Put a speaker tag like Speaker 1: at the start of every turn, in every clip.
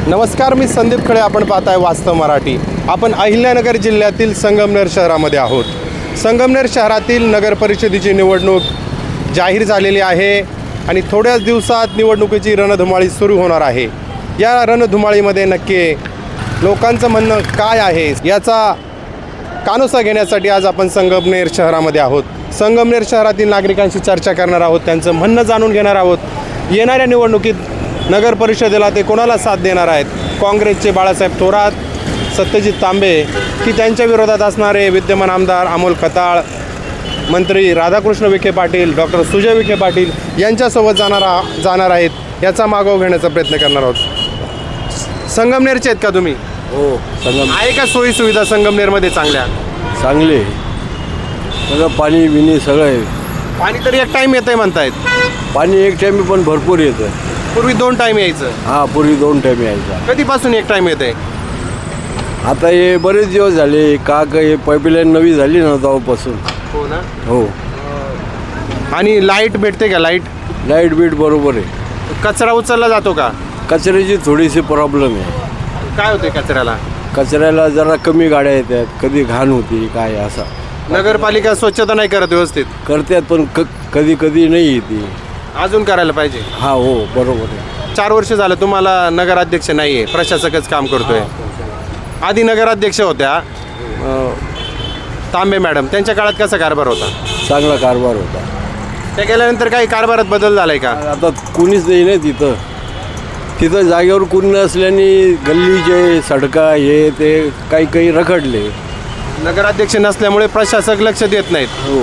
Speaker 1: नमस्कार, मी संदीप खळे. आपण पाहताय वास्तव मराठी. आपण अहिल्यानगर जिल्ह्यातील संगमनेर शहरामध्ये आहोत. संगमनेर शहरातील नगर परिषदेची निवडणूक जाहीर झालेली आहे आणि थोड्याच दिवसात निवडणुकीची रणधुमाळी सुरू होणार आहे. या रणधुमाळीमध्ये नक्की लोकांचं म्हणणं काय आहे याचा कानोसा घेण्यासाठी आज आपण संगमनेर शहरामध्ये आहोत. संगमनेर शहरातील नागरिकांशी चर्चा करणार आहोत, त्यांचं म्हणणं जाणून घेणार आहोत. येणाऱ्या निवडणुकीत नगर परिषदेला ते कोणाला साथ देणार आहेत? काँग्रेसचे बाळासाहेब थोरात, सत्यजित तांबे की त्यांच्या विरोधात असणारे विद्यमान आमदार अमोल खताळ, मंत्री राधाकृष्ण विखे पाटील, डॉक्टर सुजय विखे पाटील यांच्यासोबत जाणार आहेत याचा मागोवा घेण्याचा प्रयत्न करणार आहोत. संगमनेरचे आहेत का तुम्ही?
Speaker 2: हो,
Speaker 1: आहे का सोयी सुविधा संगमनेरमध्ये चांगल्या?
Speaker 2: चांगले सगळं पाणी बिणी सगळं आहे.
Speaker 1: पाणी तर एक टाईम येतं आहे म्हणतायत.
Speaker 2: पाणी एक टाइम पण भरपूर येतं.
Speaker 1: पूर्वी 2 टाईम यायचं.
Speaker 2: हां, पूर्वी 2 टाइम यायचा.
Speaker 1: कधीपासून 1 टाईम येतं आहे?
Speaker 2: आता हे बरेच दिवस झाले. का हे पाईपलाईन नवी झाली ना तेव्हापासून.
Speaker 1: हो ना.
Speaker 2: हो,
Speaker 1: आणि लाईट भेटते का?
Speaker 2: लाईट बीट बरोबर आहे.
Speaker 1: कचरा उचलला जातो का?
Speaker 2: कचऱ्याची थोडीशी प्रॉब्लेम आहे.
Speaker 1: काय होते कचऱ्याला?
Speaker 2: कचऱ्याला जरा कमी गाड्या येतात, कधी घाण होती काय असा.
Speaker 1: नगरपालिका स्वच्छता नाही करत व्यवस्थित?
Speaker 2: करतात पण कधी कधी नाही येते.
Speaker 1: अजून करायला पाहिजे.
Speaker 2: हा, हो बरोबर आहे.
Speaker 1: 4 वर्ष झालं तुम्हाला नगराध्यक्ष नाही आहे, प्रशासकच काम करतोय. आधी नगराध्यक्ष होत्या तांबे मॅडम, त्यांच्या काळात कसा कारभार होता?
Speaker 2: चांगला कारभार होता.
Speaker 1: त्या गेल्यानंतर काही कारभारात बदल झालाय का?
Speaker 2: आता कुणीच नाही ना तिथं जागेवर कुणी नसल्याने गल्लीचे सडका हे ते काही रखडले.
Speaker 1: नगराध्यक्ष नसल्यामुळे प्रशासक लक्ष देत नाहीत.
Speaker 2: हो,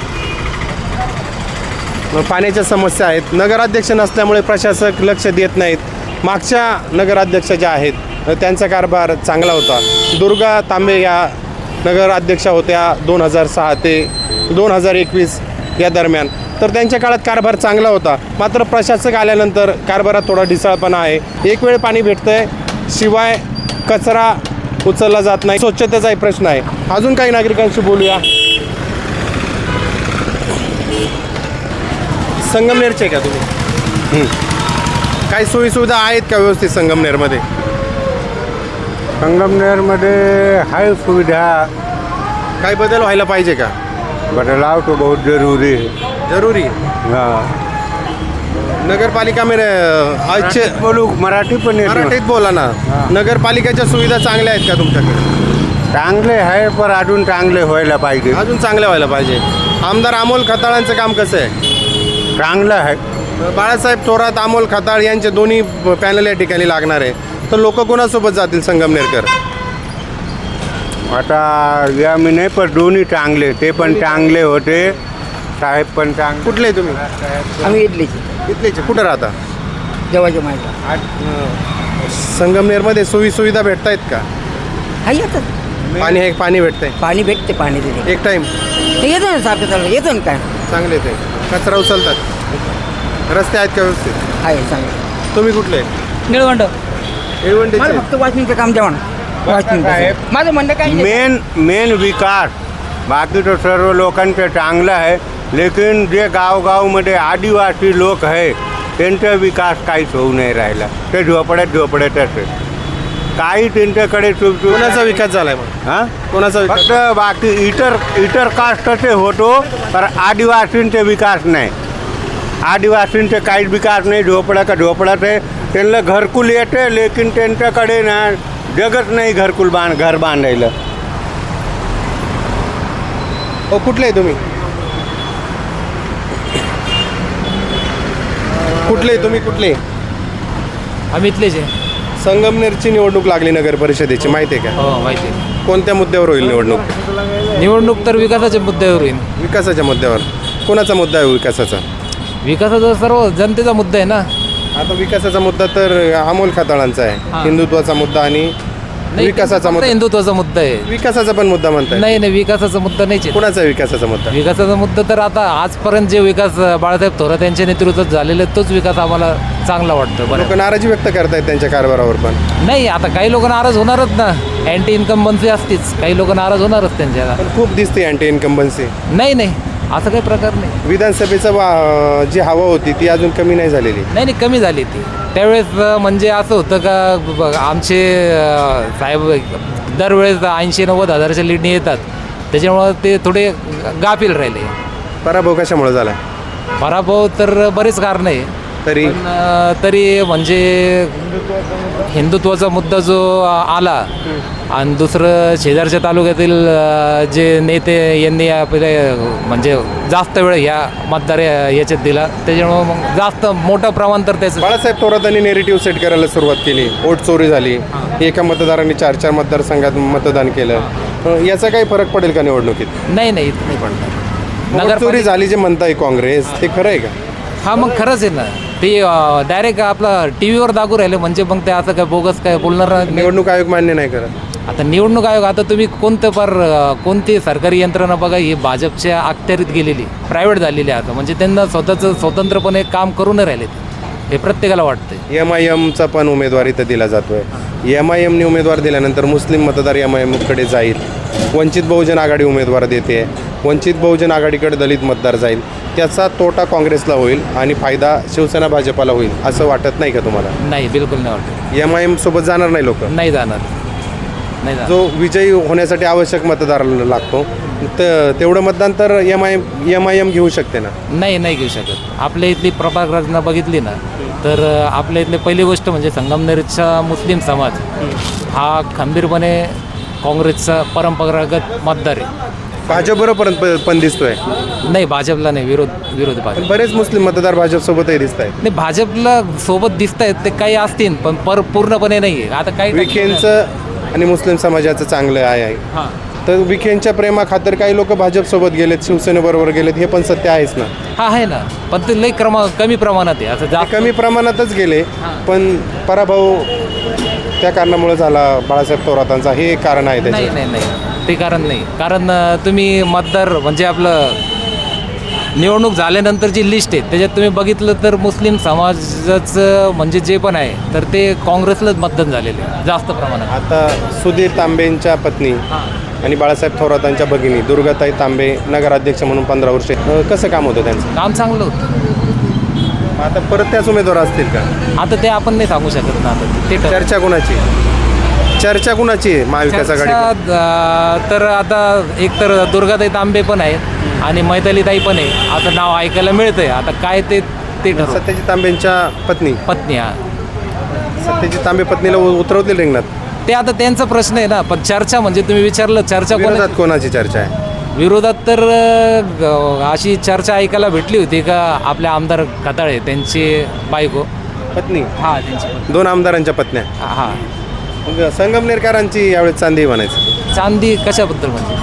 Speaker 1: मग पाण्याच्या समस्या आहेत. नगराध्यक्ष नसल्यामुळे प्रशासक लक्ष देत नाहीत. मागच्या नगराध्यक्ष ज्या आहेत त्यांचा कारभार चांगला होता. दुर्गा तांबे या नगराध्यक्षा होत्या 2006 ते 2021 या दरम्यान. तर त्यांच्या काळात कारभार चांगला होता. मात्र प्रशासक आल्यानंतर कारभारात थोडा ढिसाळपणा आहे. एक वेळ पाणी भेटतंय, शिवाय कचरा उचलला जात नाही. स्वच्छतेचाही प्रश्न आहे. अजून काही नागरिकांशी बोलूया. संगमनेरचे का तुम्ही? काही सोयीसुविधा आहेत का व्यवस्थित संगमनेरमध्ये?
Speaker 3: संगमनेरमध्ये आहे सुविधा.
Speaker 1: काही बदल व्हायला पाहिजे का?
Speaker 3: बदलाव तो बहुत जरूरी है.
Speaker 1: जरूरी.
Speaker 3: हाँ,
Speaker 1: नगरपालिका में अच्छे
Speaker 3: बोलू मराठी पण येत
Speaker 1: मराठीत बोला ना. नगरपालिकेच्या सुविधा चांगल्या आहेत का तुमच्याकडे?
Speaker 3: चांगले आहे पण अजून चांगले व्हायला पाहिजे.
Speaker 1: अजून चांगल्या व्हायला पाहिजे. आमदार अमोल खताळांचं काम कसं आहे?
Speaker 3: चांगलं आहे.
Speaker 1: बाळासाहेब थोरात, अमोल खताळ यांचे दोन्ही पॅनल या ठिकाणी लागणार आहे. तर लोक कोणासोबत जातील संगमनेरकर?
Speaker 3: आता या मी नाही पण दोन्ही चांगले. ते पण चांगले होते, साहेब पण चांगले.
Speaker 1: कुठले तुम्ही?
Speaker 4: आम्ही इडलीचे
Speaker 1: इथलेचे. कुठं राहता?
Speaker 4: जेव्हाच्या माहिती
Speaker 1: संगमनेरमध्ये सोयी सुविधा भेटत आहेत का?
Speaker 4: हा येतात.
Speaker 1: पाणी भेटतंय
Speaker 4: पाणी भेटते. पाणी तिथे
Speaker 1: एक टाईम?
Speaker 4: येतो ना सारखं चाललं. येतो ना काय.
Speaker 1: चांगले ते कचरा उचलतात. रस्ते आहेत का व्यवस्थित?
Speaker 4: आहे चांगलं.
Speaker 1: तुम्ही कुठले?
Speaker 4: निळवंड.
Speaker 1: निळवंडीचे?
Speaker 4: मला फक्त वॉचमॅनचं काम द्यावं ना. वॉचमॅन माझं म्हणणं काही नाही.
Speaker 3: मेन विकास. बाकी तो सर्व लोकांचं चांगलं आहे, लेकिन जे गावमध्ये आदिवासी लोक आहे त्यांचा विकास काहीच होऊ नाही राहिला. ते झोपड्यातच आहे. काही त्यांच्याकडे
Speaker 1: कोणाचा विकास झालाय मग?
Speaker 3: हां,
Speaker 1: कोणाचा विकास?
Speaker 3: फक्त बाकी इतर कास्टचे होतो पण आदिवासींचे विकास नाही. आदिवासींचे काहीच विकास नाही. झोपड्यात आहे. त्यांना घरकुल येते, लेकिन त्यांच्याकडे ना जगत नाही घर बांधायला.
Speaker 1: हो, कुठले तुम्ही? कुठले?
Speaker 5: आम्ही इथलेच आहे.
Speaker 1: संगमनेरची निवडणूक लागली नगर परिषदेची, माहिती आहे का?
Speaker 5: हो, माहिती आहे.
Speaker 1: कोणत्या मुद्द्यावर होईल निवडणूक?
Speaker 5: निवडणूक तर विकासाच्या मुद्द्यावर होईल.
Speaker 1: विकासाच्या मुद्द्यावर. कोणाचा मुद्दा आहे विकासाचा?
Speaker 5: विकासाचा सर्व जनतेचा मुद्दा आहे ना.
Speaker 1: आता विकासाचा मुद्दा तर अमोल खताळांचा आहे.
Speaker 5: हां.
Speaker 1: हिंदुत्वाचा मुद्दा आणि
Speaker 5: नाही,
Speaker 1: विकासाचा
Speaker 5: फक्त
Speaker 1: मुद्दा.
Speaker 5: हिंदुत्वाचा मुद्दा आहे.
Speaker 1: विकासाचा पण मुद्दा म्हणताय?
Speaker 5: नाही, विकासाचा मुद्दा नाहीच आहे.
Speaker 1: कोणाचा विकासाचा मुद्दा?
Speaker 5: विकासाचा मुद्दा तर आता आजपर्यंत जे विकास बाळासाहेब थोरात यांच्या नेतृत्वात झालेले तोच विकास आम्हाला चांगला वाटतो.
Speaker 1: लोक
Speaker 5: बरं,
Speaker 1: नाराजी व्यक्त करतायत त्यांच्या कारभारावर पण.
Speaker 5: नाही आता काही लोक नाराज होणारच ना. अँटी इन्कम बनसी असतीच. काही लोक नाराज होणारच त्यांच्या.
Speaker 1: पण खूप दिसते अँटी इन्कम्बन्सी.
Speaker 5: नाही असं काही प्रकार नाही.
Speaker 1: विधानसभेचं जी हवा होती ती अजून कमी नाही झालेली.
Speaker 5: नाही कमी झाली ती त्यावेळेस. म्हणजे असं होतं का आमचे साहेब दरवेळेस 80-90 हजाराच्या लीडने येतात, त्याच्यामुळं ते थोडे गाफील राहिले.
Speaker 1: पराभव कशामुळे झाला?
Speaker 5: पराभव तर बरेच कारण आहे,
Speaker 1: तरी
Speaker 5: तरी म्हणजे हिंदुत्वाचा मुद्दा जो आला आणि दुसरं शेजारच्या तालुक्यातील जे नेते यांनी आपले म्हणजे जास्त वेळ ह्या मतदार याच्यात दिला, त्याच्यामुळं मग जास्त मोठं प्रमाण तर त्याचं.
Speaker 1: बाळासाहेब थोरातांनी नेरेटिव्ह सेट करायला सुरुवात केली. वोट चोरी झाली, एका मतदारांनी 4-4 मतदारसंघात मतदान केलं. याचा काही फरक पडेल का निवडणुकीत?
Speaker 5: नाही इथं नाही पडणार.
Speaker 1: वोट चोरी झाली जे म्हणताय काँग्रेस, ते खरं आहे का?
Speaker 5: हा मग खरंच आहे ना, ते डायरेक्ट आपला टी व्हीवर दाखवू राहिले, म्हणजे मग ते असं काय बोगस काय बोलणार नाही.
Speaker 1: निवडणूक आयोग मान्य नाही करत.
Speaker 5: आता निवडणूक आयोग, आता तुम्ही कोणती सरकारी यंत्रणा बघा, ही भाजपच्या अखत्यारीत गेलेली, प्रायव्हेट झालेली आहे आता. म्हणजे त्यांना स्वतःचं स्वतंत्रपणे काम करू नाही राहिले, हे प्रत्येकाला वाटतंय.
Speaker 1: MIMचा पण उमेदवार इथं दिला जातोय. MIMने उमेदवार दिल्यानंतर मुस्लिम मतदार MIMकडे जाईल. वंचित बहुजन आघाडी उमेदवार देते, वंचित बहुजन आघाडीकडे दलित मतदार जाईल. त्याचा तोटा काँग्रेसला होईल आणि फायदा शिवसेना भाजपाला होईल, असं वाटत नाही का तुम्हाला?
Speaker 5: नाही, बिलकुल नाही वाटत.
Speaker 1: MIM सोबत जाणार नाही लोक.
Speaker 5: नाही जाणार.
Speaker 1: जो विजयी होण्यासाठी आवश्यक मतदार लागतो तेवढं मतदान तर MIM घेऊ शकते ना?
Speaker 5: नाही घेऊ शकत. आपल्या इथली प्रभाग रचना बघितली ना, तर आपल्या इथली पहिली गोष्ट म्हणजे संगमनेरचा मुस्लिम समाज हा खंबीरपणे काँग्रेसचा परंपरागत मतदार आहे.
Speaker 1: भाजपबरोबर पण दिसतोय.
Speaker 5: नाही, भाजपला नाही, विरोध भाजप.
Speaker 1: बरेच मुस्लिम मतदार भाजपसोबतही दिसत आहेत.
Speaker 5: नाही, भाजपला सोबत दिसत आहेत ते काही असतील, पण पूर्णपणे नाही आहे. आता काही
Speaker 1: विखेंचं आणि मुस्लिम समाजाचं चांगलं आहे.
Speaker 5: हां,
Speaker 1: तर विखेंच्या प्रेमाखातर काही लोक भाजपसोबत गेलेत, शिवसेनेबरोबर गेलेत, हे पण सत्य आहेच ना?
Speaker 5: हा आहे ना, पण ते लई कमी प्रमाणात आहे. असं जास्त
Speaker 1: कमी प्रमाणातच गेले, पण पराभव त्या कारणामुळे झाला बाळासाहेब थोरातांचा, हे कारण आहे त्याचे?
Speaker 5: नाही ते कारण नाही. कारण तुम्ही मतदार म्हणजे आपलं निवडणूक झाल्यानंतर जी लिस्ट आहे त्याच्यात तुम्ही बघितलं तर मुस्लिम समाजाचं म्हणजे जे पण आहे तर ते काँग्रेसलाच मतदान झालेलं आहे जास्त प्रमाणात.
Speaker 1: आता सुधीर तांबेंच्या पत्नी आणि बाळासाहेब थोरातांच्या भगिनी दुर्गाताई तांबे नगराध्यक्ष म्हणून 15 वर्षे कसं काम होतं त्यांचं?
Speaker 5: काम चांगलं होतं.
Speaker 1: आता परत त्याच उमेदवार असतील का?
Speaker 5: आता ते आपण नाही सांगू शकत ना. आता ते
Speaker 1: चर्चा कुणाची आहे महाविकास आघाडी?
Speaker 5: तर आता एक तर दुर्गाताई तांबे पण आहेत आणि मैतालीताई पण आहे. आता नाव ऐकायला मिळतंय, आता काय ते ठरव.
Speaker 1: सत्यजित तांबेंच्या पत्नी
Speaker 5: हा.
Speaker 1: सत्यजित तांबे पत्नीला उतरवतील रिंगणात?
Speaker 5: ते आता त्यांचा प्रश्न आहे ना, पण चर्चा म्हणजे तुम्ही विचारलं चर्चा
Speaker 1: विरोधात कोणाची चर्चा आहे?
Speaker 5: विरोधात तर अशी चर्चा ऐकायला भेटली होती का आपल्या आमदार खताळे त्यांची बायको
Speaker 1: पत्नी?
Speaker 5: हा, त्यांची
Speaker 1: 2 आमदारांच्या पत्न्या.
Speaker 5: हा.
Speaker 1: मग संगमनेरकरांची यावेळेस चांदी म्हणायचं.
Speaker 5: चांदी कशाबद्दल म्हणजे?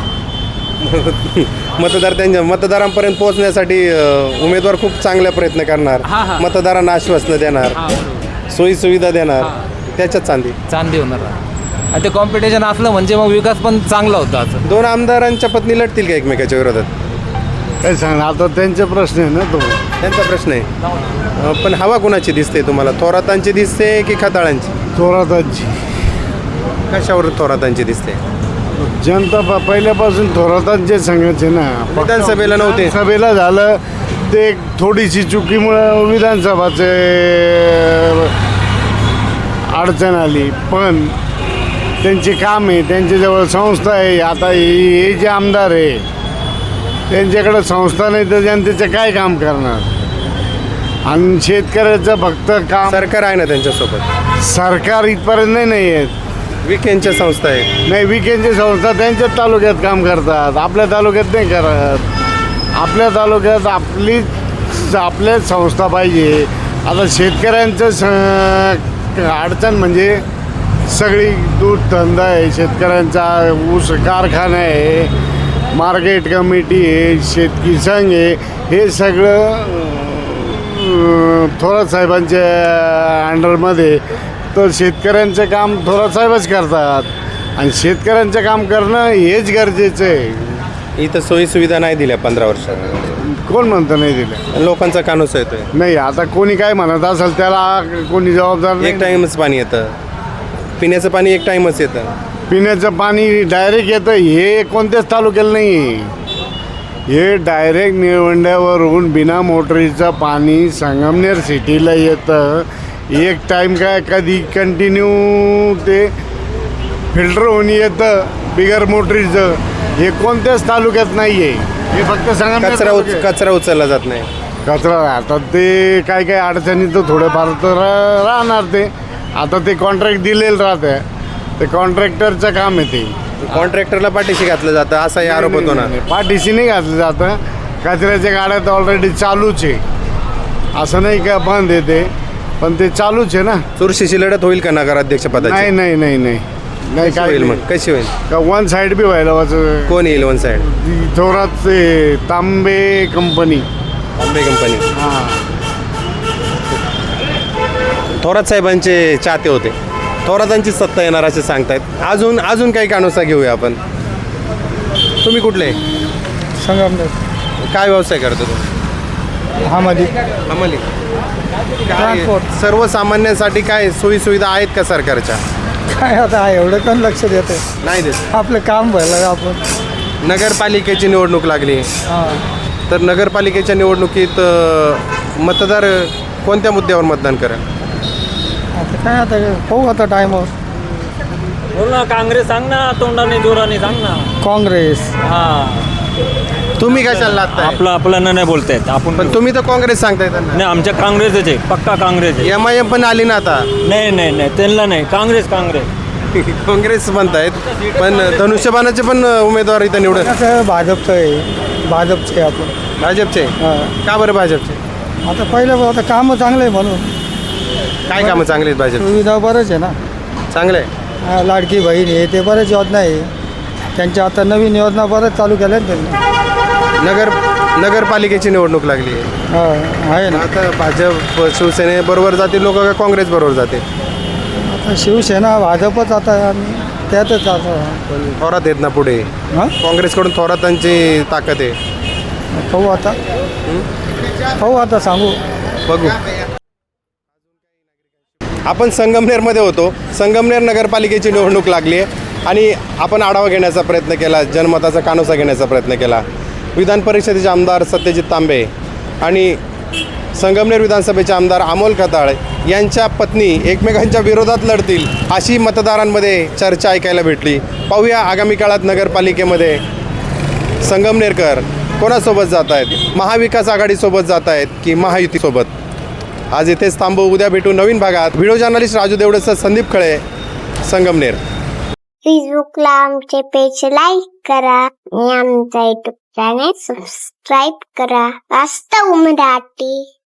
Speaker 1: मतदारांपर्यंत पोहोचण्यासाठी उमेदवार खूप चांगला प्रयत्न करणार, मतदारांना आश्वासनं देणार, सोयी सुविधा देणार, त्याच्यात चांदी
Speaker 5: होणार. आणि ते कॉम्पिटिशन असलं म्हणजे मग विकास पण चांगला होता. असं
Speaker 1: 2 आमदारांच्या पत्नी लढतील का एकमेकाच्या विरोधात?
Speaker 3: काय सांगणार, आता त्यांचा प्रश्न आहे ना तो.
Speaker 1: त्यांचा प्रश्न आहे. पण हवा कुणाची दिसते तुम्हाला? थोरातांची दिसते की खताळांची?
Speaker 3: थोरातांची.
Speaker 1: कशावर थोरातांची दिसते?
Speaker 3: जनता पहिल्यापासून थोरातांचे सांगायचे ना.
Speaker 1: विधानसभेला नव्हते.
Speaker 3: सभेला झालं ते थोडीशी चुकीमुळं विधानसभाचे अडचण आली, पण त्यांचे काम आहे, त्यांच्याजवळ संस्था आहे. आता हे जे आमदार आहे त्यांच्याकडे संस्था नाही तर जनतेचं काय काम करणार? आणि शेतकऱ्याचं फक्त काम.
Speaker 1: सरकार आहे ना त्यांच्यासोबत?
Speaker 3: सरकार इथपर्यंत नाही आहेत.
Speaker 1: विखेंच्या संस्था आहेत.
Speaker 3: नाही, विकेंडची संस्था त्यांच्याच तालुक्यात काम करतात, आपल्या तालुक्यात नाही करत. आपल्या तालुक्यात आपल्याच संस्था पाहिजे. आता शेतकऱ्यांचं अडचण म्हणजे सगळी दूध धंदा आहे, शेतकऱ्यांचा ऊस कारखाना आहे, मार्केट कमिटी आहे, शेतकी संघ आहे, हे सगळं थोरात साहेबांच्या अंडरमध्ये. तर शेतकऱ्यांचं काम थोरात साहेबच करतात आणि शेतकऱ्यांचं काम करणं हेच गरजेचं आहे.
Speaker 1: इथं सोयी सुविधा नाही दिल्या 15 वर्षात.
Speaker 3: कोण म्हणतं नाही दिलं?
Speaker 1: लोकांचा कानूस येतोय.
Speaker 3: नाही, आता कोणी काय म्हणत असेल त्याला कोणी जबाबदार नाही.
Speaker 1: एक टाइमच पाणी येतं, पिण्याचं पाणी एक टाइमच येतं.
Speaker 3: पिण्याचं पाणी डायरेक्ट येतं, हे कोणत्याच तालुक्याला नाही.
Speaker 6: हे डायरेक्ट निळवंड्यावरून बिना मोटरीचं पाणी संगमनेर सिटीला येतं. एक टाईम काय कधी कंटिन्यू ते फिल्टर होऊन येतं बिगर मोटरीचं. हे कोणत्याच तालुक्यात नाही आहे. हे फक्त संगमनेर तालुक्यात.
Speaker 1: कचरा उचलला जात नाही.
Speaker 6: कचरा आता ते काय काय अडचणी तर थोडंफार तर राहणार. ते आता ते कॉन्ट्रॅक्ट दिलेलं राहतं. ते कॉन्ट्रॅक्टरचं काम आहे ते.
Speaker 1: कॉन्ट्रॅक्टरला पाठीशी घातलं जातं असाही आरोप होतो ना.
Speaker 6: पाठीशी नाही घातलं जातं. कचऱ्याच्या गाड्या तर ऑलरेडी चालूच आहे. असं नाही का बंद आहे ते, पण ते चालूच आहे ना.
Speaker 1: चुरशीची लढत होईल का नगराध्यक्ष
Speaker 6: नाही
Speaker 1: पदाची?
Speaker 6: नाही नाही नाही नाही
Speaker 1: कशी
Speaker 6: काय
Speaker 1: होईल मग? कशी होईल?
Speaker 6: का वन साईड बी व्हायला वाच.
Speaker 1: कोण येईल वन साईड?
Speaker 6: थोरात ते तांबे कंपनी.
Speaker 1: आंबे कंपनी.
Speaker 6: हां
Speaker 1: थोरात साहेबांचे चाहते होते. थोरातांची सत्ता येणार असे सांगतायत. अजून काही कानोसा घेऊया आपण. तुम्ही कुठले?
Speaker 4: संगमनेर
Speaker 1: काय व्यवसाय करतो तुम्ही?
Speaker 4: हामध्ये
Speaker 1: अंमली. काय
Speaker 4: ट्रान्सपोर्ट.
Speaker 1: सर्वसामान्यांसाठी काय सोयी सुविधा आहेत का सरकारच्या?
Speaker 4: काय आता एवढं कोण लक्ष देते.
Speaker 1: नाही देत.
Speaker 4: आपलं काम व्हायला आपण.
Speaker 1: नगरपालिकेची निवडणूक लागली तर नगरपालिकेच्या निवडणुकीत मतदार कोणत्या मुद्द्यावर मतदान करेल?
Speaker 4: आता काय आता पाहू आता टाईमवर.
Speaker 7: बोल ना, काँग्रेस सांग ना, तोंडाने जोराने सांग ना.
Speaker 4: काँग्रेस.
Speaker 7: हा,
Speaker 1: तुम्ही कशाला लागताय?
Speaker 7: आपल्याला नाही बोलतायत आपण.
Speaker 1: पण तुम्ही तर काँग्रेस सांगताय त्यांना.
Speaker 7: नाही, आमच्या काँग्रेसच आहे, पक्का काँग्रेस आहे.
Speaker 1: MIM पण आली ना आता.
Speaker 7: नाही नाही नाही, त्यांना नाही, काँग्रेस.
Speaker 1: काँग्रेस म्हणतायत पण धनुष्यबाणाचे पण उमेदवार इथं निवडत.
Speaker 4: कसं भाजपचं आहे. भाजपचे आपण.
Speaker 1: भाजपचे.
Speaker 4: हां.
Speaker 1: का बरं भाजपचे?
Speaker 4: आता पहिलं आता कामं चांगलं आहे म्हणून.
Speaker 1: काय कामं चांगली आहेत भाजप?
Speaker 4: सुविधा बरंच आहे ना.
Speaker 1: चांगलं आहे.
Speaker 4: लाडकी बहीण आहे ते बऱ्याच योजना आहे. त्यांच्या आता नवीन योजना बरंच चालू केल्या आहेत त्यांनी.
Speaker 1: नगरपालिकेची निवडणूक लागली आहे.
Speaker 4: हां आहे ना.
Speaker 1: आता भाजप शिवसेनेबरोबर जातील लोक का काँग्रेस बरोबर जाते?
Speaker 4: आता शिवसेना भाजपच आता आणि त्यातच आता.
Speaker 1: पण थोरात आहेत ना पुढे.
Speaker 4: हां
Speaker 1: काँग्रेसकडून थोरातांची ताकद आहे.
Speaker 4: पाहू आता. पाहू आता सांगू.
Speaker 1: बघू. आपण संगमनेरमध्ये होतो. संगमनेर नगरपालिकेची निवडणूक लागली आहे आणि आपण आढावा घेण्याचा प्रयत्न केला, जनमताचा कानोसा घेण्याचा प्रयत्न केला. विधान परिषदेचे आमदार सत्यजित तांबे आणि संगमनेर विधानसभेचे आमदार अमोल खताळ यांच्या पत्नी एकमेकांच्या विरोधात लढतील अशी मतदारांमध्ये चर्चा ऐकायला भेटली. पाहूया आगामी काळात नगरपालिकेमध्ये संगमनेरकर कोणासोबत जात आहेत? महाविकास आघाडीसोबत जात आहेत की महायुतीसोबत? आज इथेच थांबू. उद्या भेटू नवीन भागात. व्हिडिओ जर्नलिस्ट राजू देवडेसह संदीप खळे, संगमनेर.
Speaker 8: फेसबुकला आमचे पेज लाईक करा आणि आमचा युट्यूब चॅनेल सबस्क्राईब करा. वास्तव मराठी.